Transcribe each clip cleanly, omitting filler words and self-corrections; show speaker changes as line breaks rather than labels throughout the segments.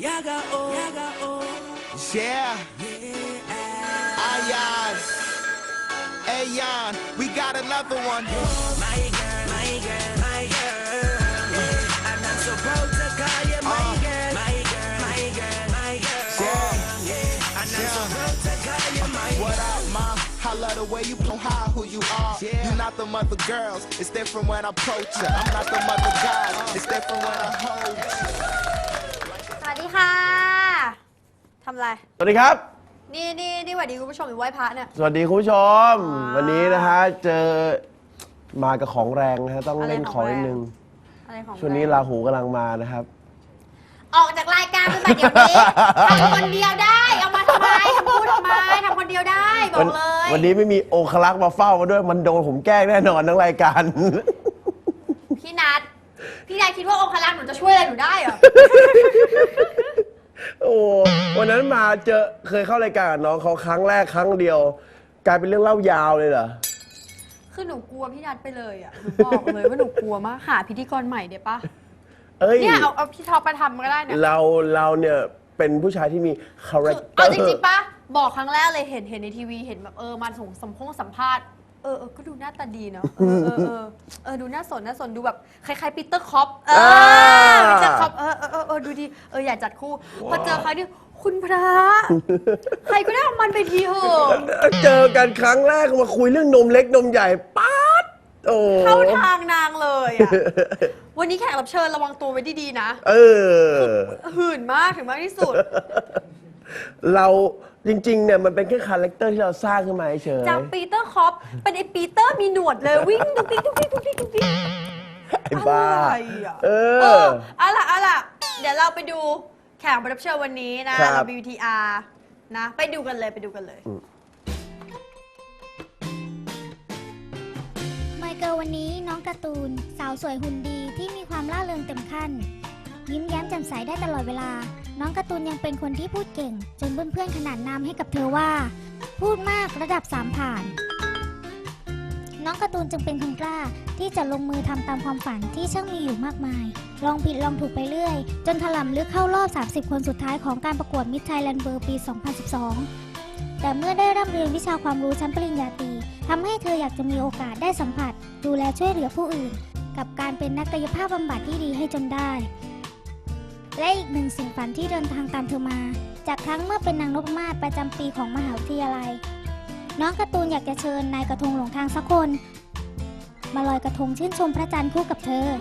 Yeah. Ayan. Ayan. We got another one. My girl, my girl, my girl. And I'm so proud to call you my girl. My girl, my girl, my girl. Yeah. And I'm so proud to call you my girl. What up, mom? I love the way you know how who you are. You're not the mother girls. It's different when I approach you. I'm not the mother guys. It's different when I hold you.
สวัสดีค่ะทำอะไร
สวัสดีครับ
นี่สวัสดีคุณผู้ชมอยู่ไหว้พระเนี่ย
สวัสดีคุณผู้ชม วันนี้นะฮะเจอมากับของแรงนะฮะต้องเล่นของนิดนึงช่วงนี้ราหูกำลังมานะครับ
ออกจากรายการไปแบบเดี๋ยวนี้ทำคนเดียวได้เอามาทำไมทำพูดทำไมทำคนเดียวได้บอกเลย
วันนี้ไม่มีองคลักษ์มาเฝ้ามาด้วยมันโดนผมแกล้งแน่นอนทั้งรายการ
พี่นัทคิดว่าองคลักษ์หนูจะช่วยอะไรหนูได้เหรอ
โอ้วันนั้นมาเคยเข้ารายการกับน้องเขาครั้งแรกครั้งเดียวกลายเป็นเรื่องเล่ายาวเลยเหรอ
คือหนูกลัวพี่นัทไปเลยอ่ะหนูบอกเลยว่าหนูกลัวมากหาพิธีกรใหม่เดี๋ยวปะเนี่ยเอาพี่ท็อปมาทำก็ได้เนี่ย
เราเนี่ยเป็นผู้ชายที่มีคาแรคเตอร์
เอาจริงๆปะบอกครั้งแรกเลยเห็นในทีวีเห็นแบบมาสัมภาษณ์ก็ดูหน้าตาดีเนาะดูน่าสนดูแบบคล้ายๆปีเตอร์คอปปีเตอร์คอปดูดีอยากจัดคู่พอเจอใครนี่คุณพระใครก็ได้เอามันไปทีเหอะ
เจอกันครั้งแรกมาคุยเรื่องนมเล็กนมใหญ่ป๊าด
เข้าทางนางเลยอ่ะวันนี้แขกรับเชิญระวังตัวไว้ดีๆนะหื่นมากถึงมากที่สุด
เราจริงๆเนี่ยมันเป็นแค่คาแรคเตอร์ที่เราสร้างขึ้นมาเฉย
จากปีเตอร์คอปเป็นไอ้ปีเตอร์มีหนวดเลยวิ่งตุ๊กติ๊ก
ไอ้บ้า
เอาล่ะเดี๋ยวเราไปดูแขกรับเชิญวันนี้นะเรา BTR นะไปดูกันเลย
ไมเคิลวันนี้น้องการ์ตูนสาวสวยหุ่นดีที่มีความร่าเริงเต็มขั้นยิ้มแย้มแจ่มใสได้ตลอดเวลาน้องการ์ตูนยังเป็นคนที่พูดเก่งจนเพื่อนๆขนานนามให้กับเธอว่าพูดมากระดับ3ผ่านน้องการ์ตูนจึงเป็นคนกล้าที่จะลงมือทำตามความฝันที่ช่างมีอยู่มากมายลองผิดลองถูกไปเรื่อยจนถล่ำลึกเข้ารอบ30คนสุดท้ายของการประกวด Miss Thailand World ปี 2012 แต่เมื่อได้ร่ำเรียนวิชาความรู้ชั้นปริญญาตรีทำให้เธออยากจะมีโอกาสได้สัมผัสดูแลช่วยเหลือผู้อื่นกับการเป็นนักกายภาพบำบัดที่ดีให้จนได้และอีกหนึ่งสิ่งฝันที่เดินทางตามเธอมาจากครั้งเมื่อเป็นนางนพมาศประจำปีของมหาวิทยาลัยน้องการ์ตูนอยากจะเชิญนายกระทงหลงทางสักคนมาลอยกระทงชื่นชมพระจันทร์คู่กับเธอ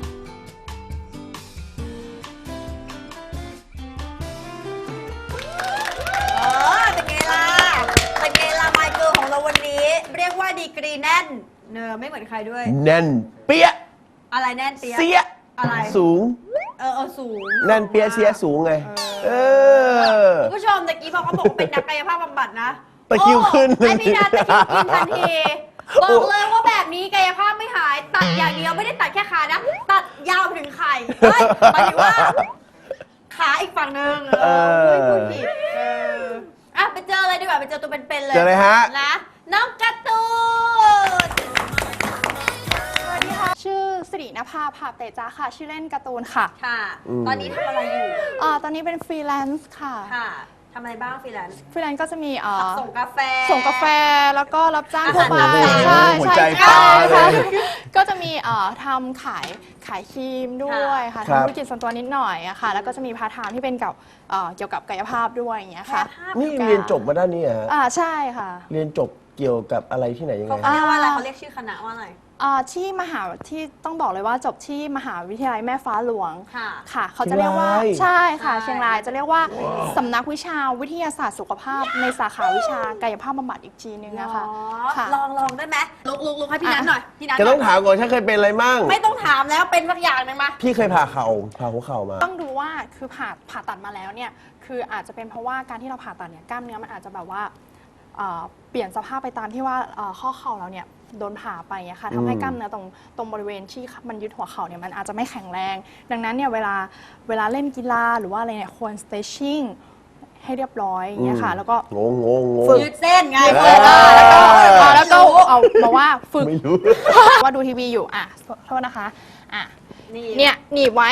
เป็นไงล่ะไมเคิลของเราวันนี้เรียกว่าดีกรีแน่นไม่เหมือนใครด้วย
แน่นเปี้ย
อะไรแน่นเปี้ย
เสีย
อะไร
สูง
สูง
แน่นเปี้ยเสียสูงไง
คุณผู้ชมตะกี้พอเขาบอกว่าเป็นนักกายภาพบำบัดนะ
ตะคิวขึ้น
ไอพี่นัทตะคิวขึ้นทันทีบอกเลยว่าแบบนี้กายภาพไม่หายตัดอย่างเดียวไม่ได้ตัดแค่ขานะตัดยาวถึงไข่หมายถึงว่าขาอีกฝั่งนึงไม่พูดผิดไปเจอเลยดีกว่าไปเจอตัวเป็นๆเลย
เจอเลยฮะ
นะน้องการ์ตูน
สวัสดีค่ะชื่อสิริณภา ภาพเตจ้าค่ะชื่อเล่นการ์ตูนค่ะ
ตอนนี้ทำอะไรอยู่
ตอนนี้เป็นฟรีแลนซ์ค่ะ
ทำอะไรบ้างฟรีแลนซ์
ก็จะมี
ส่งกาแฟ
แล้วก็รับจ้างทั่วไป
ใช่
ก็จะมีทำขายครีมด้วยค่ะทำธุรกิจส่วนตัวนิดหน่อยอะค่ะแล้วก็จะมีพาร์ทไทม์ที่เป็นเกี่ยวกับกายภาพด้วยอย่างเงี้ยค่ะ
นี่เรียนจบมาด้านนี้เหรอ
ใช่ค่ะ
เรียนจบเกี่ยวกับอะไรที่ไหนยังไง
เขาเรียกว่าอะไรเขาเรียกชื่อคณะว่าอะไร
ที่ที่ต้องบอกเลยว่าจบที่มหาวิทยาลัยแม่ฟ้าหลวงค่ะเขาจะเรียกว่าใช่ค่ะเชียงรายจะเรียกว่าสำนักวิชาวิทยาศาสตร์สุขภาพในสาขาวิชากายภาพบำบัดอีกทีนึงนะคะ
ลองได้ไหมลุกให้พี่นัทหน่อยพี่นัท
จะต้องถามก่อนฉันเคยเป็นอะไรมั่ง
ไม่ต้องถามแล้วเป็นสักอย่างนึงมา
พี่เคยผ่าหัวเข่ามา
ต้องดูว่าคือผ่าตัดมาแล้วเนี่ยคืออาจจะเป็นเพราะว่าการที่เราผ่าตัดเนี่ยกล้ามเนื้อมันอาจจะแบบว่าเปลี่ยนสภาพไปตามที่ว่าข้อเข่าเราเนี่ยโดนผ่าไปค่ะทำให้กล้ามเนื้อตรงบริเวณที่มันยึดหัวเข่าเนี่ยมันอาจจะไม่แข็งแรงดังนั้นเนี่ยเวลาเล่นกีฬาหรือว่าอะไรเนี่ยควร stretching ให้เรียบร้อยอย่างเงี้ยค่ะแล้วก็
ฝึกยืดเส้นไง
แล้วก็เอามาว่าฝึกว่าดูทีวีอยู่โทษนะคะเนี่ยหนีบไว้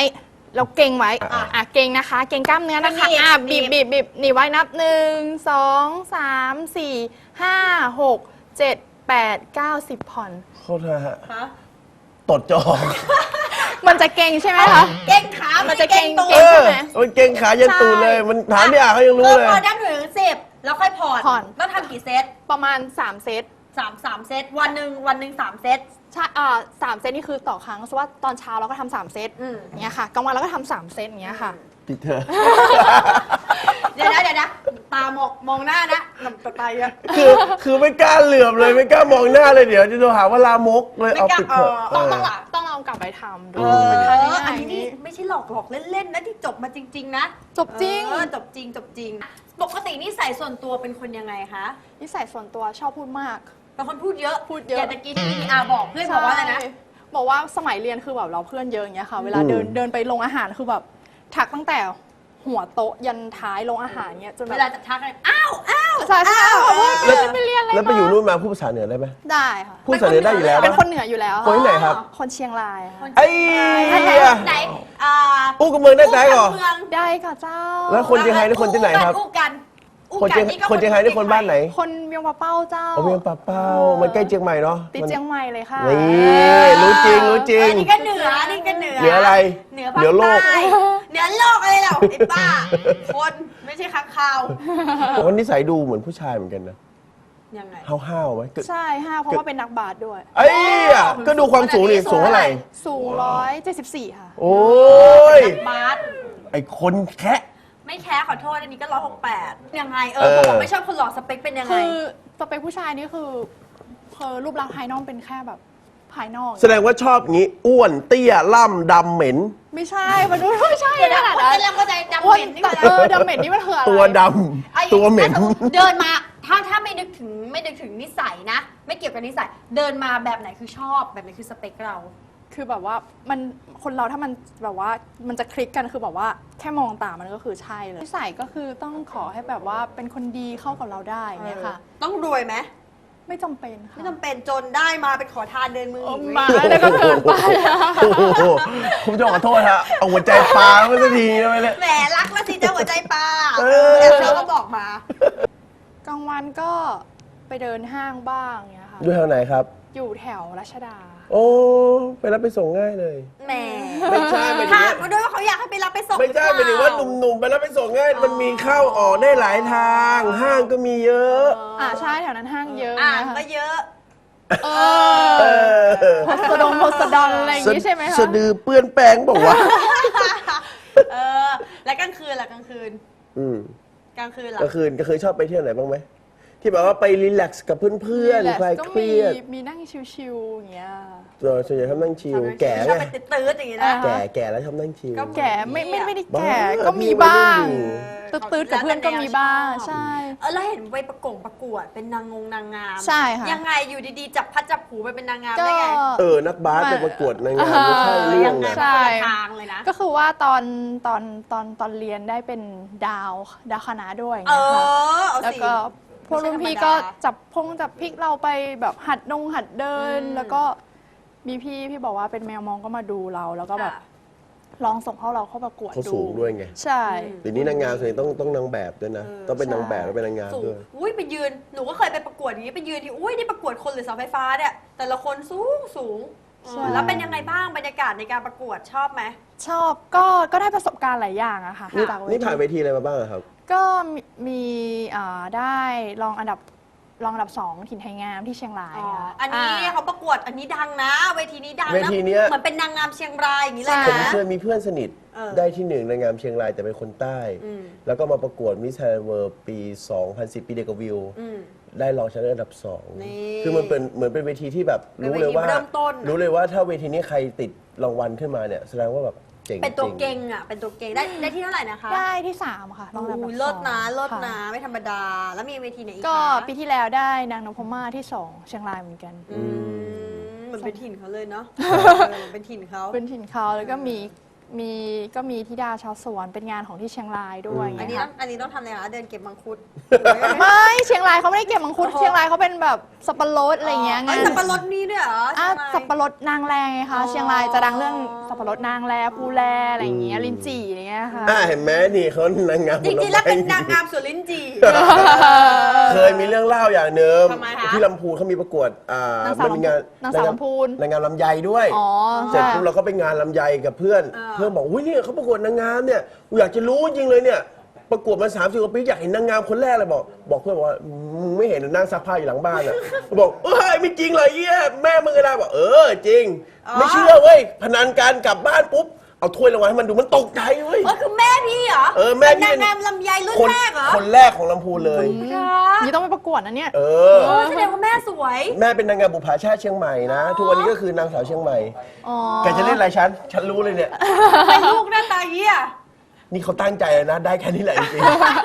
เราเก่งไว้เก่งนะคะ เก่งกล้ามเนื้อนะคะบีบหนีบไว้นับ 1 2 3 4 5 6 7 8 9 10 ผ่อน
โทษนะฮะตดจอ
มันจะเก่งใช่ไหมคะ
เก่งขา
มันจะเก่ง
ตัว
เออมันเก่งขายันตูดเลย มันถามพี่อาเขายังรู้เลย
พอได้ถึง10แล้วค่อยผ่อนแล้วทำกี่เซต
ประมาณ 3 เซต
3เซตวันหนึ่ง3เซต
ใช่3 เซตนี่คือต่อครั้งสมมติว่าตอนเช้าเราก็ทำ3 เซตอย่างเงี้ยค่ะกลางวันเราก็ทำ3 เซตอย่างเงี้ยค่ะ
ติดเธอ
เดี๋ยวนะตามองหน้านะลำตาเยอะ
คือไม่กล้าเหลือบเลยไม่กล้ามองหน้าเลยเดี๋ยวจะโดนหาว่าลามกเลยเอาปิดเถอะ
ต้องลองกลับไปทำดู
อันนี้นี่ไม่ใช่หลอกเล่นๆนะที่จบมาจริงๆนะ
จบจริง
จบจริงปกตินิสัยส่วนตัวเป็นคนยังไงคะ
นิสัยส่วนตัวชอบพูดมาก
เป็นคนพูดเยอะ อย่างตะกี้ที่พี่อาบอกเพื่อน
ใช่
บอกว่าอะไรนะ
บอกว่าสมัยเรียนคือแบบเราเพื่อนเยอะอย่างเงี้ยค่ะ เวลาเดินไปโรงอาหารคือแบบทักตั้งแต่หัวโต๊ะยันท้ายโรงอาหารเงี้ยจนแบ
เว
บ
ลาจะทักเลยอ้าว
ใช่บอกว่า
แล้ว
ไปเรียนอะไร
แล้วไปอยู่นู่นมาพูดภาษาเหนือได้ไหม
ได้ค่ะ
พูดภาษาเหนือได้อยู่แล้ว
เป็น
ปะ
คนเหนืออยู่แล้ว
คนที่ไหนครับ
คนเชียงรายค่ะ
ไอ้
ไหน
อู้กับเมืองได้ใจก่อน
เมือง
ได้ค่ะเจ้า
แล้วคนเชียงไฮ้นี่คนที่ไหนครับ
อู้กัน
คนเชียงนี่คนบ้านไหน
คนเวียงปะเป้าเจ้า
เอาเวียงป่าเป้ามันใกล้เชียงใหม่เนาะ
ติดเชียงใหม่เลยค่ะ
นี่รู้จริง
นี่ก็เหนือนี่ก็เหนือ
เหนืออะไร
เหนือภาค
เหนือโลก
ใต้เหนือโลกอะไรเหรอไอ้บ้าคนไม่ใช่ค้างคาว
วันนิสัยดูเหมือนผู้ชายเหมือนกันนะ
ยังไง
ห้าวๆไหม
ใช่ค่ะเพราะว่าเป็นนักบาสด้วย
ไอ้อะก็ดูความสูงนี่สูงเท่าไหร่
สูง174ค่ะ
โอ้ย
บาส
ไอ้คนแคะ
ไม่แค่ขอโทษอันนี้ก็168ยังไงบอกไม่ชอบคนหล่อสเปคเป็นยังไง
คือสเปคผู้ชายนี่คือรูปลักษณ์ภายนอกเป็นแค่แบบภายนอก
แสดงว่าชอบงี้อ้วนเตี้ยล่ำดำเหม็น
ไม่ใช่มันไม่ใช่
เดี๋ยว
ข
นะ
นาด
คน
นั้น
กำลังเข้าใจดำ
อ้วน
เหม็นนี่
แต่
คืออะไร
ดำเหม็นนี่มันคืออะไร
ตัวด
ไอ้
ำตัวเหม็น
ถ้าสติเดินมาถ้าไม่นึกถึงนิสัยนะ ไม่เกี่ยวกับนิสัยเดินมาแบบไหนคือชอบแบบไหนคือสเปคเรา
คือแบบว่ามันคนเราถ้ามันแบบว่ามันจะคลิกกันคือแบบว่าแค่มองตามันก็คือใช่เลยนิสัยก็คือต้องขอให้แบบว่าเป็นคนดีเข้ากับเราได้อย่างเงี้ยค่ะ
ต้องรวยไหม
ไม่จำเป็นค่ะ
ไม่จำเป็นจนได้มาเป็นขอทานเดินมืออีก
มาแล้วก็เกินไป
โอ้โหผมจะขอโทษฮะเอาหัวใจปลาไม่สักทีนะไม่เลย
แหมรักแล้วสิเจ้าหัวใจปลา
เออ
แล้วเธอก็บอกมา
กลางวันก็ไปเดินห้างบ้างเงี้ยค่ะ
อยู่แถวไหนครับ
อยู่แถวรัชดา
โอ้ไปรับไปส่งง่ายเลย
แหม
ไม่ใช่หมายถึง
ถาม
ว่า
มาด้วยว่าเขาอยากให้ไปรับไปส่ง
ไม่ใช่หมายถึงว่าหนุ่มๆไปรับไปส่งง่ายมันมีเข้าออกได้หลายทาง ห้างก็มีเยอะ
ใช่แถวนั้นห้างเยอะ
อ่าง
นะคะ
ก็เยอะ
เอ
เอ
อ
อ
โพสดอนอะไรอย่างงี้ใช่ไหมคะ
สะดือเปื้อนแป้งบอกว่า
แล้วกลางคืนล่ะกลางคืน
อืม
กลางคืนล่ะ
ก็คือชอบไปเที่ยวไหนบ้างไหมที่แบบว่าไปรีแลกซ์กับเพื่อนๆคลาย
ก็
เครียด
มีนั่งชิวๆอย่างเงี้ย
ส่วนใหญ่ชอบนั่งชิลแก่
ชอบ
ไง
ไปตื้อๆอย่างงี้นะ
แก่แล้วชอบนั่งชิล
ก็
แก่ไม่ได้แก่
บ้า
ก็มีบ้าง
พี่วัยรุ่นอยู่
ตืดๆกับเพื่อนก็มีบ้าง ใช่
แล้วเห็นไปประกวดเป็นนางงาม
ใช่ค่ะ
ยังไงอยู่ดีๆจับพัดจับผูไปเป็นนางงาม
ก็
ได้ไง
นักบาสไปประกวดในงานไม่ใช่เรื่
ยั
อง
งไง
นะ
ใช่
คนละทางเลยนะ
ก็คือว่าตอนเรียนได้เป็นดาวคณะด้วยอย่าง
เอ
เงี้ยค่ะ
เอา
แล้ว
สิ
ก็พวกรุ่นพี่ก็จับพริกเราไปแบบหัดเดิน แล้วก็มีพี่บอกว่าเป็นแมวมองก็มาดูเรา แล้วก็แบบลองส่งเราเข้าประกวด
เขา
ดู
สูงด้วยไง
ใช่
เดี๋ยวนี้นางงามส่วนใหญ่ต้องนางแบบด้วยนะ ต้องเป็นนางแบบแล้วเป็นนางงาม
สูง
ด้วย
อุ้ยไปยืนหนูก็เคยไปประกวดอย่างนี้ไปยืนที่อุ้ยได้ประกวดคนหรือเสาไฟฟ้าเนี่ยแต่ละคนสูงแล้วเป็นยังไงบ้างบรรยากาศในการประกวดชอบไหม
ชอบก็ได้ประสบการณ์หลายอย่างอะค่ะ
นี่
จาก
นี่ผ่านเวทีอะไรมาบ้างอะครับ
ก็มีได้รองอันดับ 2 ถิ่นไทยงามที่เชียงรายค่ะ
อันนี้เขาประกวดอันนี้ดังนะ เวทีนี้ดัง
เว
นะ
ทีเนี้ย
เหมือนเป็นนางงามเชียงรายอย่างนี้เลย
ผม
นะ
เคยมีเพื่อนสนิท
เออ
ได้ที่หนึ่งในงามเชียงรายแต่เป็นคนใต้ แล้วก็มาประกวดมิสไทยเวิร์ปี 2010 ปีเดียวกับวิว ได้รองชนะเลิศอันดับ
นี่
2 คือมันเป็นเหมือนเป็นเวทีที่แบบ
เป็น
รู้
เว
เลย
ที
ว่า
เริ่มต้น
รู้เลยว่าถ้าเวทีนี้ใครติดรางวัลขึ้นมาเนี่ยแสดงว่าแบบเจ๋ง
เป็นตัว
จริ
เก่งอ่ะ เป็นตัวเก่งได้ที่เท่าไหร่นะคะ
ได้ที่ 3 ค่ะรองอันดับ
อุ้ย
2
เลิศนะ
ค่
เลิศนะไม่ธรรมดา แล้วมีเวทีไหนอีก
ก็
คะ
ปีที่แล้วได้นางนพมาศที่ 2 เชียงรายเหมือนกัน
เหมือนเป็นถิ่นเขาเลยเนาะเหมือนเป็นถิ่นเขา
เป็นถิ่นเขาแล้วก็มีก็มีธิดาชาวสวนเป็นงานของที่เชียงรายด้วย
อันนี้
เงี้ย
ต้องอันนี้ต้องทำอะไรคะเดินเก็บมังคุด
ไม่เชียงรายเขาไม่ได้เก็บมังคุดเชียงรายเขาเป็นแบบสับปะรดอะไรเงี้ย
ไอ้สับปะรดนี่ด้วยเหรอ
อ่ะ
ใช่ไหม
สับปะรดนางแรไง
อ๋
คะ
อ
เชียงรายจะดังเรื่องสับปะรดนางแรภูแลอะไรเงี้ยลิ้นจี่อะไรเงี้ยค่ะ
เห็นไหมนี่เขานางงาม
จริงๆแล้วเป็นนางงามสวนลิ้นจี่
เคยมีเรื่องเล่าอย่างหนึ่ง
ทำไมคะ
ที่ลำพูนเขามีประกวด
นางสาว
มันเป็นงาน
นางสาวลำพูน
นางงามลำไยด้วย
อ๋อ
เสร็จปุ๊บเราก็ไปงานลำไยกับเพื่อน เพื่อนบอกอุ้ยเนี่ยเขาประกวดนางงามเนี่ยกูอยากจะรู้จริงเลยเนี่ยประกวดมา30 กว่าปีอยากเห็นนางงามคนแรกเลยบอกเพื่อนบอกว่ามึงไม่เห็นนั่งซักผ้าอยู่หลังบ้านอ่ะบอกเอ้ยไม่จริงเลยเอี้ยแม่มึงก็ได้บอกจริง ไม่เชื่อเว้ยพนันกันกลับบ้านปุ๊บเอาถ้วยรางวัลให้มันดูมันตกใจเว้ย
คือแม่พี่เหรอ
แม่
เป็น
พี่
นางงามลำไยรุ่นแรกเหรอ
คนแรกของลำพูนเลย
นี่ต้องไปประกวดนะเนี่ย
แสดงว่าแม่สวย
แม่เป็นนางงามบุปผาชาติเชียงใหม่นะ ทุกวันนี้ก็คือนางสาวเชียงใหม่
อ๋อ
แกจะเล่นอะไรฉันรู้เลยเนี่ย
เป็นลูกหน้าตาเหี้ย
นี่เขาตั้งใจเลยนะ ได้แค่นี้แหละจริง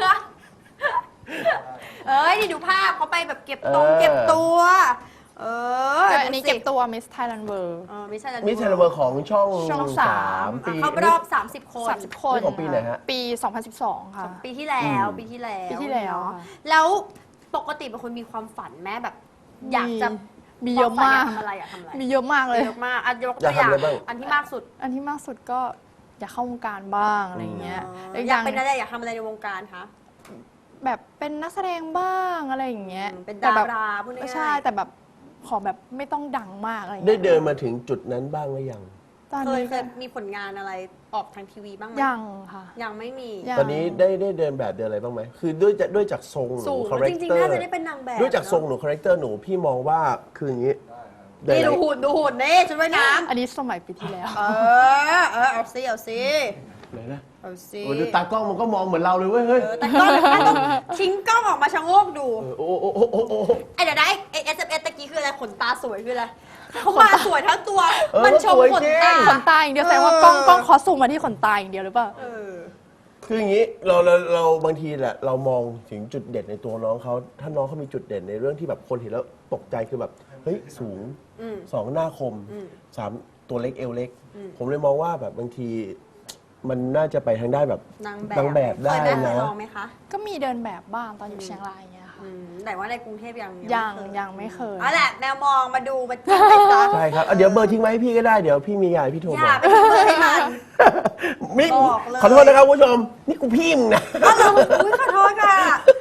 นี่ดูภาพเขาไปแบบเก็บ
เออ
เก็บตัว
อันนี้เก็บตัว Miss Thailand World
ไม่ใช่
ๆมิสเทเลเวอร์ของช่อง
ช่อง
3 ปี
เขารอบ 30 คน
30 คน
นี่ของปีไหนฮะ
ปี 2012 ค่ะ
ปีที่แล้วปีที่แล้ว
ปีที่แล้ว
เนอะ
ค่ะ
แล้วปกติเป็นคนมีความฝันแม่แบบ อยากจะ
มีเยอะมาก
อยทำอะไรอยากทำอะไร
มีเยอะมากเลย
เยอะมากยก
อยา
ตั
ก
วอย่าง
ทำอะไรบ้าง
อันที่มากสุด
อันที่มากสุดก็อยากเข้าวงการบ้างอะไรอย่างเงี้ยแล้ว
อยากเป็นอะไรอยากทำอะไรในวงการคะ
แบบเป็นนักแสดงบ้างอะไรอย่างเงี้ย
เป็น
แต่
ดา
แบบ
ราพูดง่ายๆ
ใช่แต่แบบขอแบบไม่ต้องดังมากอะไรอย่าง
ได้
เงี้ย
เดินมาถึงจุดนั้นบ้างหรือยัง
ตอน
เค
นี้
ยมีผลงานอะไรออกทางทีวีบ้างไหม
ยังค่ะ
ยังไม่มี
ยัง
ตอนนี้ได้เดินแบบเดินอะไรบ้างไหมคือด้วยจากทรงห
สู
นู
ง
คาแร
จ
ค
ริง
เตอ
ๆ
ร์
น่าจะได้เป็นนางแบบ
ด้วยจากทรงหนูคาแรคเตอร์หนูพี่มองว่าคืออย่างนี้เดิน
นี่
อะไร
ดูหุ่นนี่ชุดว่ายน้
อันนี้สมัยปีที่แล้ว
ำเอาซิ
ไหนนะ
เอาซิ
โอ้ดูตากล้องมันก็มองเหมือนเราเลยเว้ยเฮ้ย
แต่กล้องต้องทิ้งกล้องออกมาชะโงกดู
โอ้โอ้
ไอ้เดี๋ยวนะไอ้ SMS ตะกี้คืออะไรขนตาสวยคืออะไรเขามาสวยทั้งตัว มันชมขนตา
ขนตาอย่างเดียวแสดงว่ากล้องขอซูมมาที่ขนตาอย่างเดียวหรือเปล่า
คืออย่างนี้เราบางทีแหละเรามองถึงจุดเด่นในตัวน้องเขาถ้าน้องเขามีจุดเด่นในเรื่องที่แบบคนเห็นแล้วตกใจคือแบบเฮ้ยสูง 2 หน้าคม 3 ตัวเล็กเอวเล็ก ผมเลยมองว่าแบบบางทีมันน่าจะไปทางได้านแบบ
นาง
นางแบบได้
เคย
นะ
ลองไหมคะ
ก็มีเดินแบบบ้างตอนอยู่เชียงรายอย่างเงี้ยค่ะ
แต่ว่าในกรุงเทพยัง
ยังไม่เคย
เอาแหละแมวมองมาดูมาจิ้มไปซะ
ใช่ครับเดี๋ยวเบอร์ทิ้งไว้ให้พี่ก็ได้เดี๋ยวพี่มีงานพี่โทร
อย่า
มา
ไปทิ้งเบอร์ให้มัน
มิ
บอกเลย
ขอโทษนะครับคุณผู้ชม นี่กูพี่มึงนะ
อุ้ยขอโทษค่ะ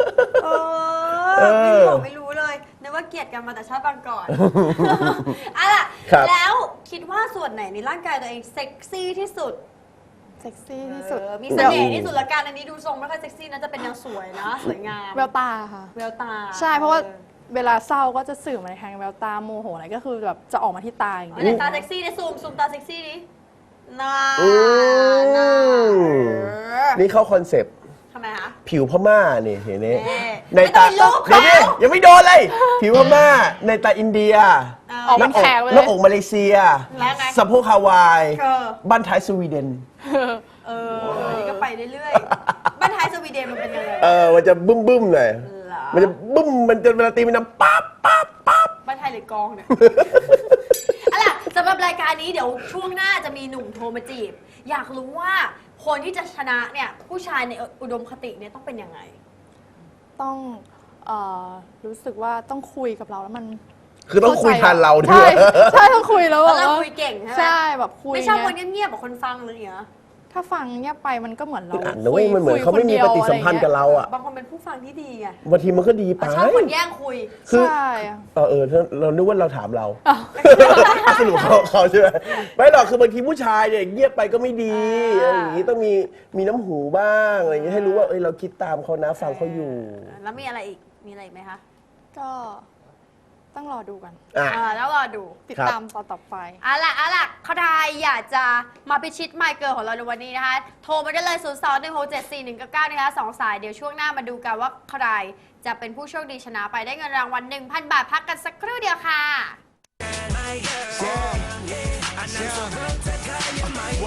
ไม่รู้เลยนึกว่าเกลียดกันมาแต่ชาติบางก่อนเอาล่ะ
ครับ
แล้วคิดว่าส่วนไหนในร่างกายตัวเองเซ็กซี่ที่สุด
เซ็กซี่ที่สุด
มีเสน่ห์ที่สุดละกันอันนี้ดูทรงไม่ค่อยเซ็กซี่นะจะเป็นแนวสวยนะสวยงาม
แววตาค่ะ
แววตา
ใช่เพราะว่าเวลาเศร้าก็จะสื่อมาในทางแววตาโมโหอะไรก็คือแบบจะออกมาที่ตาอย่าง
อัน
เงี้ย
ไหนตาเซ็กซี่เนี่ยซูมตาเซ็กซี่ดิน่า
อืม
น่า
นี่เข้าคอนเซปต์
ทำไมคะ
ผิวพม่านี่เห็นไหม
เอ๊ะ
ในตา
ไม่ต้องไปลบ
เดี๋ยวนี้
เขา
ยังไม่โดนเลย ผิวพม่าในตาอินเดีย
ออกเป็นแขกไป
ห
เล
น้าย อกมาเลเซีย
แล้วไง
สะโพกฮาวาย
เออ
บ้านท้ายสวีเดน
นี่ก็ไปเรื่อยๆบ้านท้ายสวีเดนมันเป็นยังไง
มันจะบึ้มๆหน่อย
เหรอ
มันจะบึ้มมันจะเวลาตีมันดังปั๊บปั๊บปั๊บ
บ้านไทยหรือกองเนี่ย เอาล่ะสำหรับรายการนี้เดี๋ยวช่วงหน้าจะมีหนุ่มโทรมาจีบ อยากรู้ว่าคนที่จะชนะเนี่ยผู้ชายในอุดมคติเนี่ยต้องเป็นยังไง
ต้องรู้สึกว่าต้องคุยกับเราแล้วมัน
คือต้องคุยทันเราด้
ใช่
วย
ใช่ต้องคุยแล้ว
เพ
แบ
ราะ
บ
เรา
ว่า
คุยเก่งใช่ไหม
ใช่แบบคุย
ไม่ชอบ
เงี้ย
คนเงียบๆแบบคนฟังเลยเหรอ
ถ้าฟังเงียบไปมันก็เหมือนเรา
อ่ะนะเว้ยมันเหมือนเขาไม่มีปฏิสัมพันธ์กับเราอ่ะ
บางคนเป็นผู้ฟังที่ดีไง
บางทีมันก็ดีไป
ชอบคนแย่งคุย
คือ
ใช่
เรานึกว่าเราถามเราสรุปเขาใช่ไหมไม่หรอกคือบางทีผู้ชายเนี่ยเงียบไปก็ไม่ดีอะไรอย่างงี้ต้องมีน้ำหูบ้างอะไรอย่างงี้ให้รู้ว่าเราคิดตามเขานะฟังเขาอยู่
แล้วมีอะไรอีกมีอะไรอีกไหมคะ
ก็ต้องรอดูกัน
อ่ะ
แล้วรอดู
ติด
ครับ
ตามตอนต่อไป
เอาล่ะเขาใครอยากจะมาพิชิตไมค์เกิร์ลของเราในวันนี้นะคะ โทรมาได้เลย 021674199 นะคะ2 สาย เดี๋ยวช่วงหน้ามาดูกันว่าใครจะเป็นผู้โชคดีชนะไปได้เงินรางวัล 1,000 บาท พักกันสักครู่เดียวค่ะ